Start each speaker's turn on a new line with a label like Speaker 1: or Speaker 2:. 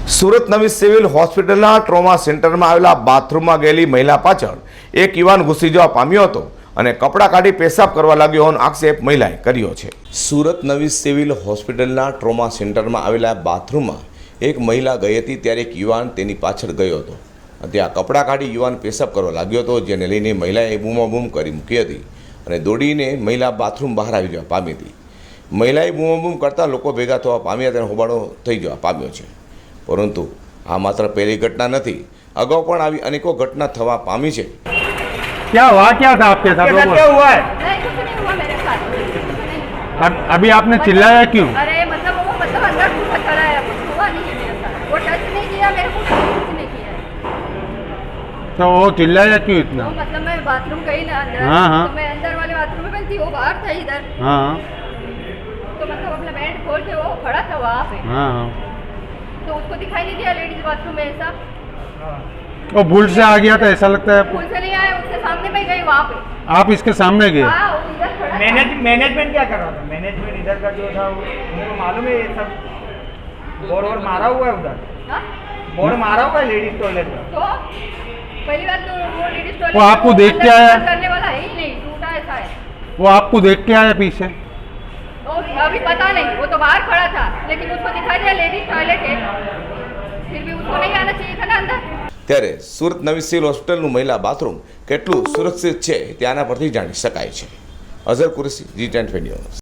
Speaker 1: સુરત નવી સિવિલ હોસ્પિટલના ટ્રોમા સેન્ટરમાં આવેલા બાથરૂમમાં ગયેલી મહિલા પાછળ એક યુવાન ઘૂસી જવા પામ્યો હતો અને કપડાં કાઢી પેશાબ કરવા લાગ્યો હોવાનો આક્ષેપ મહિલાએ કર્યો છે। સુરત નવી સિવિલ હોસ્પિટલના ટ્રોમા સેન્ટરમાં આવેલા બાથરૂમમાં એક મહિલા ગઈ હતી ત્યારે એક યુવાન તેની પાછળ ગયો હતો। ત્યાં કપડાં કાઢી યુવાન પેશાબ કરવા લાગ્યો હતો, જેને લઈને મહિલાએ બૂમાબૂમ કરી મૂકી હતી અને દોડીને મહિલા બાથરૂમ બહાર આવી જવા પામી હતી। મહિલાએ બૂમાબૂમ કરતાં લોકો ભેગા થવા પામ્યા તેને હોબાળો થઈ જવા પામ્યો છે। परंतु आ मात्र पहली घटना नहीं, अगाऊ पण आवी अनेकों घटना थवा पामी है।
Speaker 2: क्या हुआ, क्या था आपके साथ?
Speaker 3: क्या हुआ है?
Speaker 4: नहीं, कुछ नहीं हुआ मेरे साथ।
Speaker 2: अभी आपने चिल्लाया क्यों?
Speaker 4: अरे मतलब वो अंदर घुसा खड़ा है, कुछ हुआ नहीं है मेरे साथ। वो टच नहीं किया मेरे को, कुछ नहीं किया।
Speaker 2: तो वो चिल्लाया क्यों इतना?
Speaker 4: तो मतलब मैं बाथरूम गई ना अंदर,
Speaker 2: हाँ, हाँ।
Speaker 4: तो मैं अंदर वाले बाथरूम में थी, वो बाहर था इधर।
Speaker 2: हाँ
Speaker 4: तो मतलब अपना बेड खोल के वो खड़ा था वहाँ पे,
Speaker 2: हाँ हाँ।
Speaker 4: तो उसको दिखाई नहीं दिया लेडीज बाथरूम में ऐसा।
Speaker 2: वो भूल से आ गया था ऐसा लगता है आपको?
Speaker 4: फूल से नहीं आया, उसके सामने मैं गई वहाँ पे।
Speaker 2: आप इसके सामने गए?
Speaker 4: हाँ, वो इधर खड़ा था।
Speaker 3: मैनेजमेंट क्या कर रहा था? मैनेजमेंट इधर का जो था उनको मालूम है ये सब बोर्ड वोर्ड मारा हुआ है उधर,
Speaker 4: हाँ?
Speaker 3: बोर्ड मारा हुआ है लेडीज टॉयलेट का।
Speaker 4: तो पहली बात तो वो लेडीज टॉयलेट
Speaker 2: वो आपको देख के आया?
Speaker 4: करने वाला है ही नहीं, टूटा ऐसा है।
Speaker 2: वो आपको देख के आया पीछे?
Speaker 4: तो अभी पता नहीं, वो तो बाहर खड़ा था, लेकिन उसको दिखाई दिया लेडीज टॉयलेट है, फिर भी उसको नहीं आना चाहिए था ना अंदर।
Speaker 1: ત્યારે સુરત નવી સિવિલ હોસ્પિટલનું મહિલા બાથરૂમ કેટલું સુરક્ષિત છે ત્યાંના પરથી જાણી શકાય છે। Azhar Qureshi, G10 news.